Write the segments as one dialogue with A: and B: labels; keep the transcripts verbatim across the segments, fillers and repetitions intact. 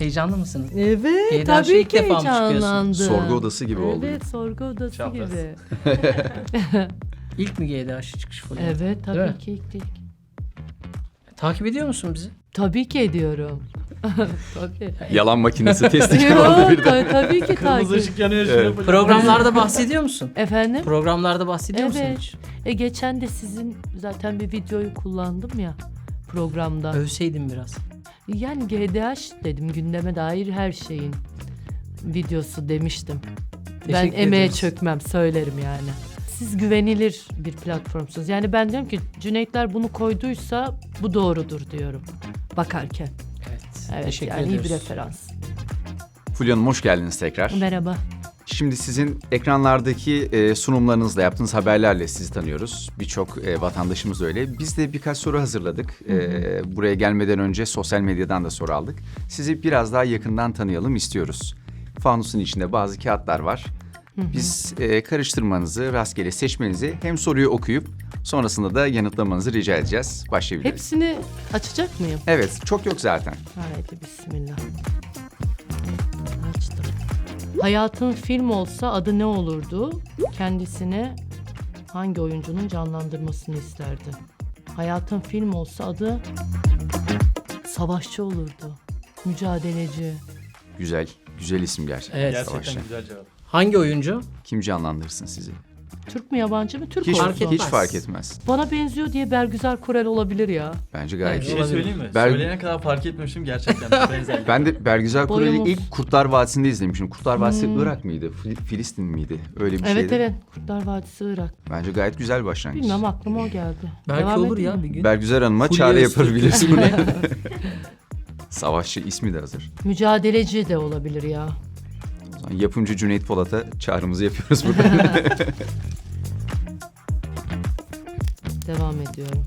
A: Heyecanlı mısınız?
B: Evet,
A: G D H'a
B: tabii
A: ilk
B: ki
A: defa mı çıkıyorsun?
B: heyecanlandım.
C: Sorgu odası gibi oldu.
B: Evet, sorgu odası
D: Çapraz.
B: gibi.
A: İlk mi G D H çıkış falan?
B: Evet,
A: Değil
B: tabii
A: mi?
B: ki ilk ilk.
A: Takip ediyor musun bizi?
B: Tabii ki ediyorum. Tabii.
C: Yalan makinesi testi gibi
B: Yok,
C: oldu birden.
B: ta- tabii ki
D: Kırmızı
B: takip.
D: ışık yanıyor.
C: Evet.
D: Evet.
A: Programlarda bahsediyor musun?
B: Efendim?
A: Programlarda bahsediyor musun
B: Evet.
A: hiç?
B: E, geçen de sizin zaten bir videoyu kullandım ya programda.
A: Övseydin biraz.
B: Yani G D H dedim, gündeme dair her şeyin videosu demiştim. Ben
A: Teşekkür
B: emeğe
A: ederiz.
B: çökmem, söylerim yani. Siz güvenilir bir platformsunuz. Yani ben diyorum ki Cüneytler bunu koyduysa bu doğrudur diyorum bakarken.
A: Evet.
B: Evet,
A: Teşekkür
B: yani iyi
A: ediyoruz.
B: bir referans.
C: Fulya Hanım hoş geldiniz tekrar.
B: Merhaba.
C: Şimdi sizin ekranlardaki e, sunumlarınızla yaptığınız haberlerle sizi tanıyoruz. Birçok e, vatandaşımız öyle. Biz de birkaç soru hazırladık. E, buraya gelmeden önce sosyal medyadan da soru aldık. Sizi biraz daha yakından tanıyalım istiyoruz. Fanusun içinde bazı kağıtlar var. Biz e, karıştırmanızı, rastgele seçmenizi, hem soruyu okuyup sonrasında da yanıtlamanızı rica edeceğiz. Başlayabiliriz.
B: Hepsini açacak mıyım?
C: Evet, çok yok zaten.
B: Haydi bismillah. Açtım. Hayatın film olsa adı ne olurdu? Kendisine hangi oyuncunun canlandırmasını isterdi? Hayatın film olsa adı savaşçı olurdu. Mücadeleci.
C: Güzel, güzel isim gerçekten.
A: Evet.
D: Gerçekten
C: Savaşçı.
D: güzel cevap.
A: Hangi oyuncu?
C: Kim canlandırsın sizi?
B: Türk mü yabancı mı? Türk
C: Hiç,
B: olsun.
A: fark etmez.
C: hiç fark etmez.
B: Bana benziyor diye Bergüzar Korel olabilir ya.
C: Bence gayet
A: Evet,
D: Bir
C: iyi.
D: şey
A: Olabilir.
D: söyleyeyim mi?
C: Ber-
D: Söyleyene kadar fark etmemişim gerçekten. Benzer.
C: Ben de Bergüzar Korel'i
B: Boyumuz.
C: ilk Kurtlar Vadisi'nde izlemişim. Kurtlar Vadisi Irak mıydı? Fil- Filistin miydi? Öyle bir
B: Evet
C: şeydi.
B: evet. Kurtlar Vadisi Irak.
C: Bence gayet güzel bir başlangıç.
B: Bilmem, aklıma o geldi.
A: Belki
B: Devam
A: olur
B: edeyim
A: ya
B: mi?
A: bir gün.
C: Bergüzar Hanım'a
A: Fulya
C: çağrı
A: Öztürk.
C: yapabilirsin bunu. Savaşçı ismi de hazır.
B: Mücadeleci de olabilir ya.
C: O zaman yapımcı Cüneyt Polat'a çağrımızı yapıyoruz burada.
B: Devam ediyorum.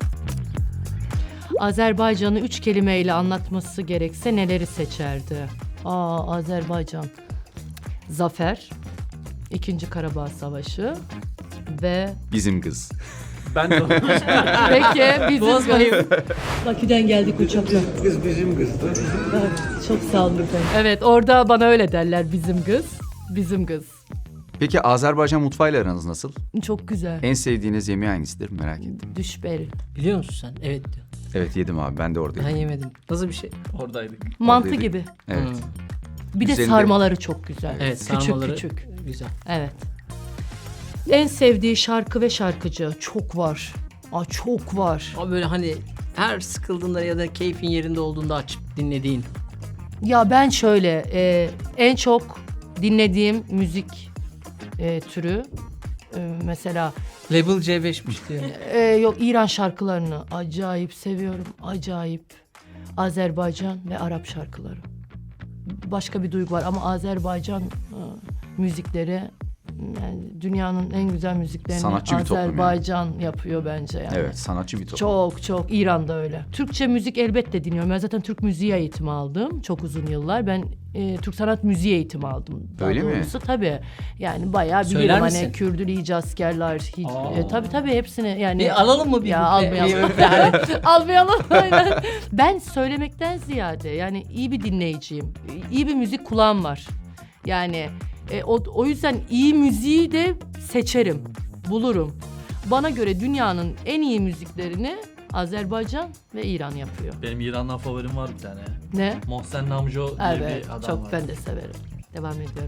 B: Azerbaycan'ı üç kelimeyle anlatması gerekse neleri seçerdi? Aa, Azerbaycan. Zafer, İkinci Karabağ Savaşı ve
C: Bizim kız.
D: Ben de
B: peki bizim
A: Bozmayın.
B: Bakü'den geldik uçakla.
E: Kız bizim kızdı.
B: Çok sağ olun efendim. Evet, orada bana öyle derler, bizim kız. Bizim kız.
C: Peki Azerbaycan mutfağıyla aranız nasıl?
B: Çok güzel.
C: En sevdiğiniz yemeği hangisidir merak ettim.
B: Düşberi.
A: Biliyor musun sen? Evet diyor.
C: Evet yedim abi, ben de oradaydım.
A: Ben yemedim. Nasıl bir şey?
D: oradaydık.
B: Mantı
C: Oradaydık.
B: gibi.
C: Evet.
A: Hmm.
B: Bir de
C: Üzerinde-
B: sarmaları çok güzel.
A: Evet,
B: küçük
A: sarmaları
B: küçük.
A: güzel.
B: Evet. En sevdiği şarkı ve şarkıcı çok var. Aa, çok var.
A: Ama böyle hani her sıkıldığında ya da keyfin yerinde olduğunda açıp dinlediğin.
B: Ya ben şöyle e, en çok dinlediğim müzik e, türü e, mesela
A: Label C beşmiş diyor.
B: e, yok İran şarkılarını acayip seviyorum. Acayip. Azerbaycan ve Arap şarkıları. Başka bir duygu var ama Azerbaycan e, müzikleri, yani dünyanın en güzel müziklerini
C: Sanatçı bir toplum yani.
B: Azerbaycan yapıyor bence yani.
C: Evet, sanatçı bir toplum.
B: Çok çok İran'da öyle. Türkçe müzik elbette dinliyorum. Ben zaten Türk müziği eğitimi aldım çok uzun yıllar. Ben e, Türk sanat müziği eğitimi aldım. Daha
C: Öyle mi?
B: doğrusu. Tabii. Yani bayağı
A: Söyler
B: biliyorum
A: misin?
B: hani Kürdül, İyice askerler. Hiç,
A: Aa.
B: e, tabii tabii hepsini yani.
A: Bir alalım mı bir
B: Ya
A: buple?
B: almayalım.
A: Bir-
B: Yani, almayalım aynen. Ben söylemekten ziyade yani iyi bir dinleyiciyim. İyi bir müzik kulağım var. Yani e, o, o yüzden iyi müziği de seçerim, bulurum. Bana göre dünyanın en iyi müziklerini Azerbaycan ve İran yapıyor.
D: Benim İran'dan favorim var bir tane.
B: Ne?
D: Mohsen Namjo diye
B: Evet,
D: bir adam
B: çok
D: var.
B: ben de severim. Devam ediyorum.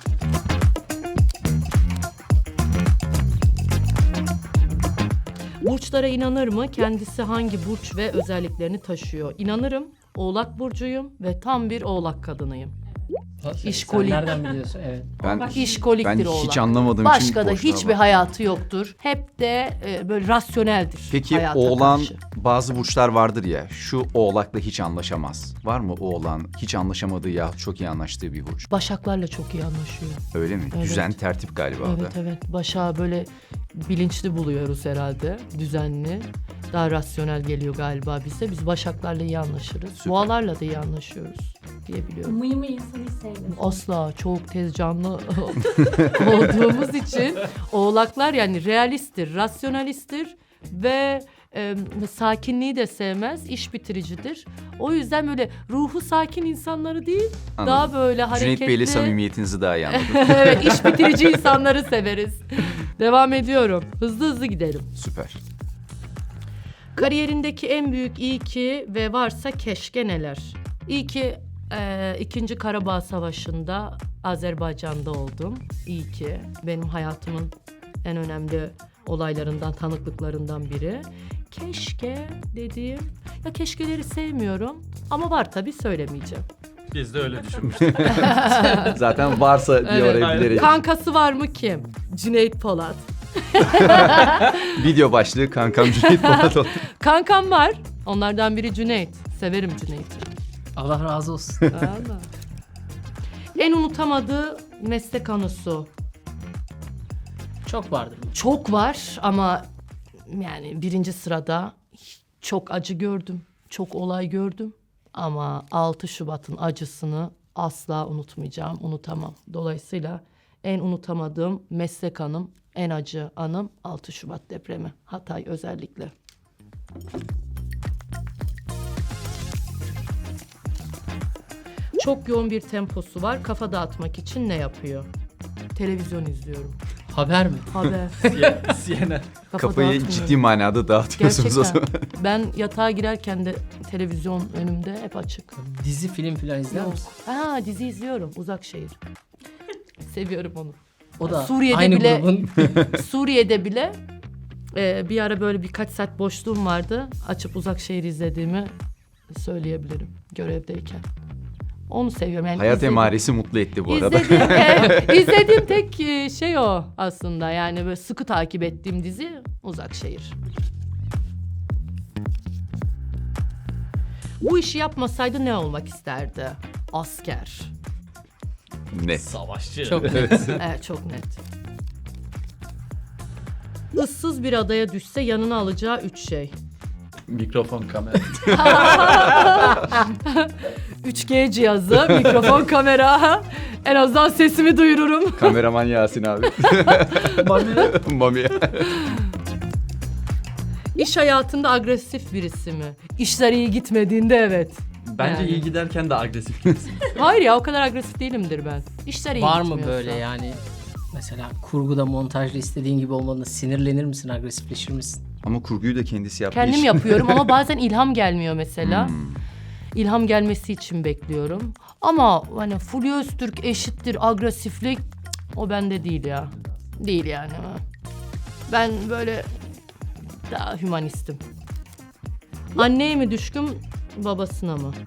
B: Burçlara inanır mı? Kendisi hangi burç ve özelliklerini taşıyor? İnanırım. Oğlak burcuyum ve tam bir oğlak kadınıyım.
A: Sen-
B: İşkolik.
A: Sen nereden biliyorsun? Evet.
C: Ben,
B: İşkoliktir
C: ben
B: oğlak.
C: hiç anlamadığım için
B: Başka da
C: boşluğa
B: hiçbir
C: bak.
B: hayatı yoktur. Hep de e, böyle rasyoneldir.
C: Peki
B: hayata
C: oğlan,
B: karşı.
C: bazı burçlar vardır ya, şu oğlakla hiç anlaşamaz. Var mı oğlan hiç anlaşamadığı ya çok iyi anlaştığı bir burç?
B: Başaklarla çok iyi anlaşıyor.
C: Öyle mi?
B: Evet.
C: Düzen, tertip galiba o da.
B: Evet evet. Başağı böyle bilinçli buluyoruz herhalde. Düzenli. Daha rasyonel geliyor galiba bize. Biz Başaklarla iyi anlaşırız.
C: Süper.
B: Boğalarla da iyi anlaşıyoruz diye biliyorum.
F: Mıy mıy insanı hiç sevmiyorum.
B: Asla çok tez canlı olduğumuz için oğlaklar yani realisttir, rasyonalisttir ve e, sakinliği de sevmez, iş bitiricidir. O yüzden böyle ruhu sakin insanları değil,
C: Anladım.
B: daha böyle hareketli.
C: Cüneyt Bey'le samimiyetinizi daha iyi anladım.
B: Evet, iş bitirici insanları severiz. Devam ediyorum. Hızlı hızlı gidelim.
C: Süper.
B: Kariyerindeki en büyük iyi ki ve varsa keşke neler? İyi ki e, İkinci Karabağ Savaşı'nda Azerbaycan'da oldum. İyi ki benim hayatımın en önemli olaylarından, tanıklıklarından biri. Keşke dediğim, ya keşkeleri sevmiyorum ama var tabii, söylemeyeceğim.
D: Biz de öyle düşünmüştük.
C: Zaten varsa diye
B: Evet.
C: oraya bilerek.
B: Kankası var mı kim? Cüneyt Polat.
C: Video başlığı kankam Cüneyt Polat oldu.
B: Kankam var. Onlardan biri Cüneyt. Severim Cüneyt'i.
A: Allah razı olsun.
B: Vallahi. En unutamadığı meslek anısı.
A: Çok vardır.
B: Çok var ama yani birinci sırada çok acı gördüm. Çok olay gördüm. Ama altı Şubat'ın acısını asla unutmayacağım, unutamam. Dolayısıyla en unutamadığım meslek anım, en acı anım altı Şubat depremi. Hatay özellikle. Çok yoğun bir temposu var. Kafa dağıtmak için ne yapıyor? Televizyon izliyorum.
A: Haber mi?
B: Haber.
D: C N N.
B: Kafa
C: Kafayı
B: dağıtmıyorum.
C: ciddi manada dağıtıyorsunuz o
B: Gerçekten.
C: zaman.
B: Ben yatağa girerken de televizyon önümde hep açık.
A: Dizi film falan izler
B: Yok.
A: misin?
B: Ha, dizi izliyorum. Uzak Şehir. Seviyorum onu.
A: O da
B: Suriye'de
A: aynı
B: bile-
A: grubun.
B: Suriye'de bile e, bir ara böyle birkaç saat boşluğum vardı. Açıp Uzak Şehir izlediğimi söyleyebilirim görevdeyken. Onu seviyorum. Yani
C: Hayat
B: izledim-
C: emaresi mutlu etti bu arada.
B: İzlediğim, e, izlediğim tek e, şey o aslında. Yani böyle sıkı takip ettiğim dizi Uzak Şehir. Bu işi yapmasaydı ne olmak isterdi? Asker.
C: Net.
D: Savaşçı.
A: Çok
C: Evet.
B: Evet, çok net. Issız bir adaya düşse yanına alacağı üç şey.
D: Mikrofon, kamera.
B: üç G cihazı, mikrofon, kamera. En azından sesimi duyururum.
C: Kameraman Yasin abi. Mami.
B: İş hayatında agresif birisi mi? İşler iyi gitmediğinde evet.
D: Bence
B: Yani.
D: iyi giderken de agresif gibisin.
B: Hayır ya, o kadar agresif değilimdir ben. İşler iyi
A: Var mı
B: gitmiyorsa.
A: böyle yani? Mesela kurguda, montajda istediğin gibi olmadığında sinirlenir misin, agresifleşir misin?
C: Ama kurguyu da kendisi yaptığı
B: Kendim
C: için.
B: yapıyorum ama bazen ilham gelmiyor mesela.
C: Hmm.
B: İlham gelmesi için bekliyorum. Ama hani Fulya Öztürk eşittir agresiflik, cık, o bende değil ya. Değil yani. Ben böyle daha hümanistim. Anneye mi düşkün, babasına mı?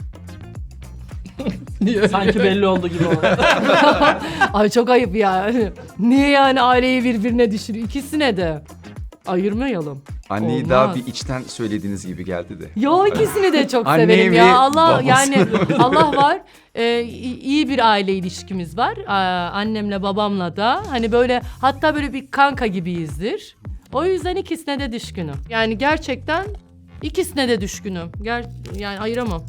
D: Sanki belli oldu gibi oldu.
B: Ay çok ayıp ya. Niye yani aileyi birbirine düşürüyor? İkisine de. Ayırmayalım.
C: Anneyi
B: Olmaz.
C: daha bir içten söylediğiniz gibi geldi de.
B: Yo, ikisini de çok
C: Anne
B: severim
C: mi,
B: ya. Allah
C: babası
B: yani Allah var. Ee, i- iyi bir aile ilişkimiz var. Aa, annemle babamla da hani böyle, hatta böyle bir kanka gibiyizdir. O yüzden ikisine de düşkünüm. Yani gerçekten ikisine de düşkünüm. Ger yani ayıramam.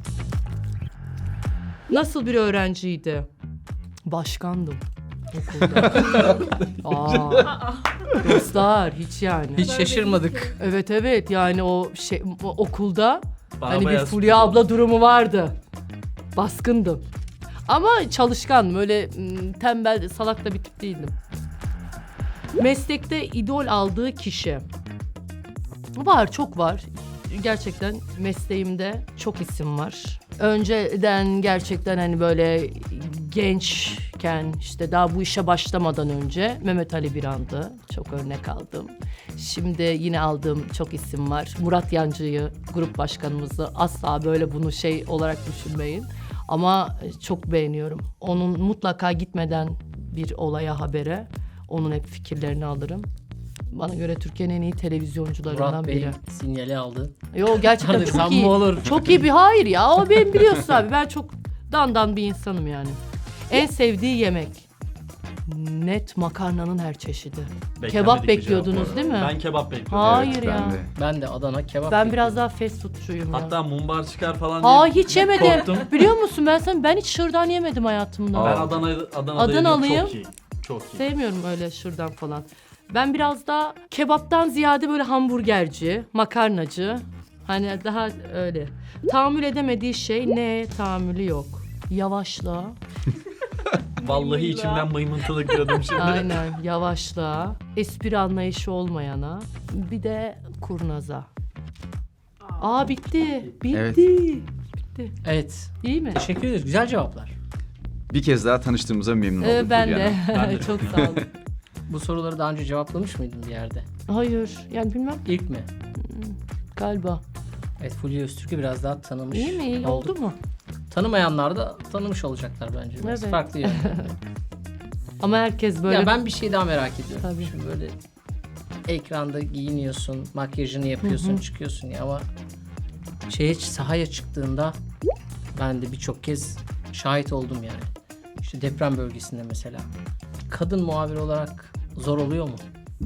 B: Nasıl bir öğrenciydi? Başkandım okulda. Aa, dostlar hiç yani.
A: Hiç şaşırmadık.
B: Evet evet, yani o şey o okulda
D: Bana
B: hani bir
D: bayağı
B: Fulya
D: sürpriz
B: abla
D: oldu.
B: durumu vardı. Baskındım. Ama çalışkandım. Öyle m, tembel, salak da bir tip değildim. Meslekte idol aldığı kişi. Var, çok var. Gerçekten mesleğimde çok isim var. Önceden gerçekten hani böyle gençken, işte daha bu işe başlamadan önce Mehmet Ali Birand'ı çok örnek aldım. Şimdi yine aldığım çok isim var. Murat Yancı'yı, grup başkanımızı, asla böyle bunu şey olarak düşünmeyin. Ama çok beğeniyorum. Onun mutlaka gitmeden bir olaya, habere, onun hep fikirlerini alırım. Bana göre Türkiye'nin en iyi televizyoncularından
A: Murat
B: biri.
A: Bey sinyali aldı.
B: Yo, gerçekten çok
A: Tanırsam
B: iyi.
A: mı olur?
B: Çok iyi bir, hayır ya. O benim, biliyorsun abi. Ben çok dandan bir insanım yani. En sevdiği yemek. Net makarnanın her çeşidi.
D: Beklenmedik
B: Kebap
D: bir
B: bekliyordunuz
D: cevap bu
B: değil mi?
D: arada. Ben kebap bekliyordum.
B: Hayır
C: Evet,
B: ya.
C: ben de.
A: Ben de Adana kebap
B: Ben
A: bekliyorum.
B: biraz daha fast foodçuyum ya.
D: Hatta mumbar çıkar falan diye
B: Aa, hiç yemedim.
D: korktum.
B: Biliyor musun, ben sana ben hiç şırdan yemedim hayatımda.
C: Aa.
D: Ben Adana'da Adana'da
B: Adanalıyım.
D: Çok iyi. Çok iyi.
B: Sevmiyorum öyle şırdan falan. Ben biraz daha kebaptan ziyade böyle hamburgerci, makarnacı. Hani daha öyle. Tahammül edemediği şey ne? Tahammülü yok. Yavaşla.
D: Vallahi içimden mıymıntılık diyordum şimdi.
B: Aynen yavaşla. Espri anlayışı olmayana. Bir de kurnaza. Aa bitti. Bitti.
C: Evet.
B: Bitti.
A: Evet.
B: İyi mi?
A: Teşekkür ederiz. Güzel cevaplar.
C: Bir kez daha tanıştığımıza memnun
B: Ee,
C: oldum.
B: ben
C: Fulya
B: de.
C: Hanım.
D: Ben de.
B: Çok sağ olun.
A: Bu soruları daha önce cevaplamış mıydın bir yerde?
B: Hayır. Yani bilmem
A: İlk mi?
B: galiba.
A: Evet, Fulya Öztürk'ü biraz daha tanımış
B: İyi mi? İyi
A: olduk.
B: oldu mu?
A: Tanımayanlar da tanımış olacaklar bence. Biraz
B: Evet.
A: farklı yönde.
B: Ama herkes böyle...
A: Ya ben bir şey daha merak ediyorum.
B: Tabii.
A: Şimdi böyle ekranda giyiniyorsun, makyajını yapıyorsun, çıkıyorsun ya ama şeye sahaya çıktığında ben de birçok kez şahit oldum yani. İşte deprem bölgesinde mesela. Kadın muhabir olarak zor oluyor mu?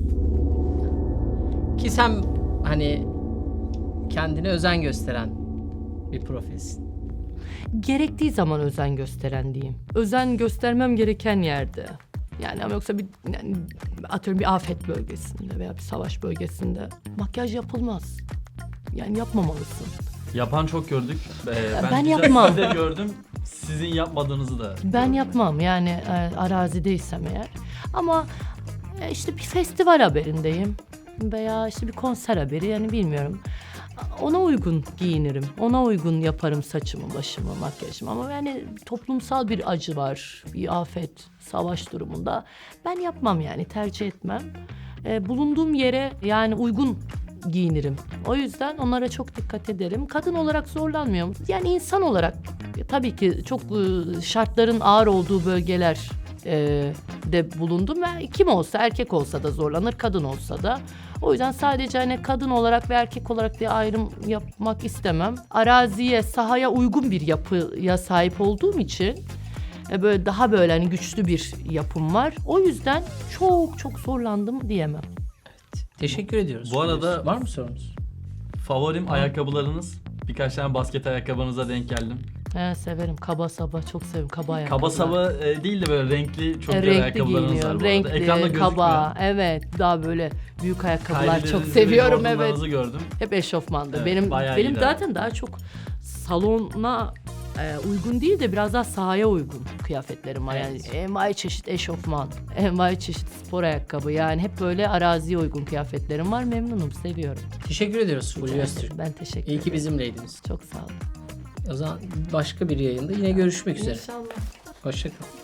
A: Ki sen hani kendine özen gösteren bir profilsin.
B: Gerektiği zaman özen gösteren diyeyim. Özen göstermem gereken yerde. Yani ama yoksa bir yani atıyorum bir afet bölgesinde veya bir savaş bölgesinde makyaj yapılmaz. Yani yapmamalısın.
D: Yapan çok gördük. Ee, ben
B: ben
D: güzel
B: yapmam.
D: sizi de gördüm. Sizin yapmadığınızı da.
B: Ben yapmam yani e, arazideysem eğer. Ama e, işte bir festival haberindeyim veya işte bir konser haberi yani bilmiyorum. Ona uygun giyinirim. Ona uygun yaparım saçımı, başımı, makyajımı. Ama yani toplumsal bir acı var. Bir afet, savaş durumunda. Ben yapmam yani tercih etmem. E, bulunduğum yere yani uygun giyinirim. O yüzden onlara çok dikkat ederim. Kadın olarak zorlanmıyorum. Yani insan olarak e, tabii ki çok e, şartların ağır olduğu bölgeler e, de bulundum ve kim olsa erkek olsa da zorlanır, kadın olsa da. O yüzden sadece hani kadın olarak ve erkek olarak diye ayrım yapmak istemem. Araziye, sahaya uygun bir yapıya sahip olduğum için e, böyle daha böyle hani güçlü bir yapım var. O yüzden çok çok zorlandım diyemem.
A: Teşekkür ediyoruz.
D: Bu arada-
A: var mı sorunuz?
D: Favorim ayakkabılarınız. Birkaç tane basket ayakkabınıza denk geldim.
B: He, severim. Kaba saba çok severim. Kaba ayakkabılar.
D: Kaba saba e, değil de böyle renkli çok
B: E,
D: güzel
B: renkli
D: ayakkabılarınız var
B: giyiniyorum.
D: bu arada.
B: Renkli,
D: Ekranda gözükmüyor.
B: kaba. Evet. Daha böyle büyük ayakkabılar çok
D: Kylie'lerinizi,
B: seviyorum. Evet.
D: Jordan'larınızı gördüm.
B: Hep eşofmanda.
D: Evet,
B: benim
D: bayağı
B: benim
D: iyi
B: zaten daha çok salona e, uygun değil de biraz daha sahaya uygun kıyafetlerim var.
A: Evet.
B: Yani envai çeşit eşofman, envai çeşit spor ayakkabı. Yani hep böyle araziye uygun kıyafetlerim var. Memnunum, seviyorum.
A: Teşekkür ediyoruz Fulya Öztürk.
B: Ben teşekkür
A: İyi
B: ederim.
A: ki bizimleydiniz.
B: Çok sağ olun.
A: O zaman başka bir yayında yine görüşmek üzere.
B: İnşallah.
A: Hoşça kalın.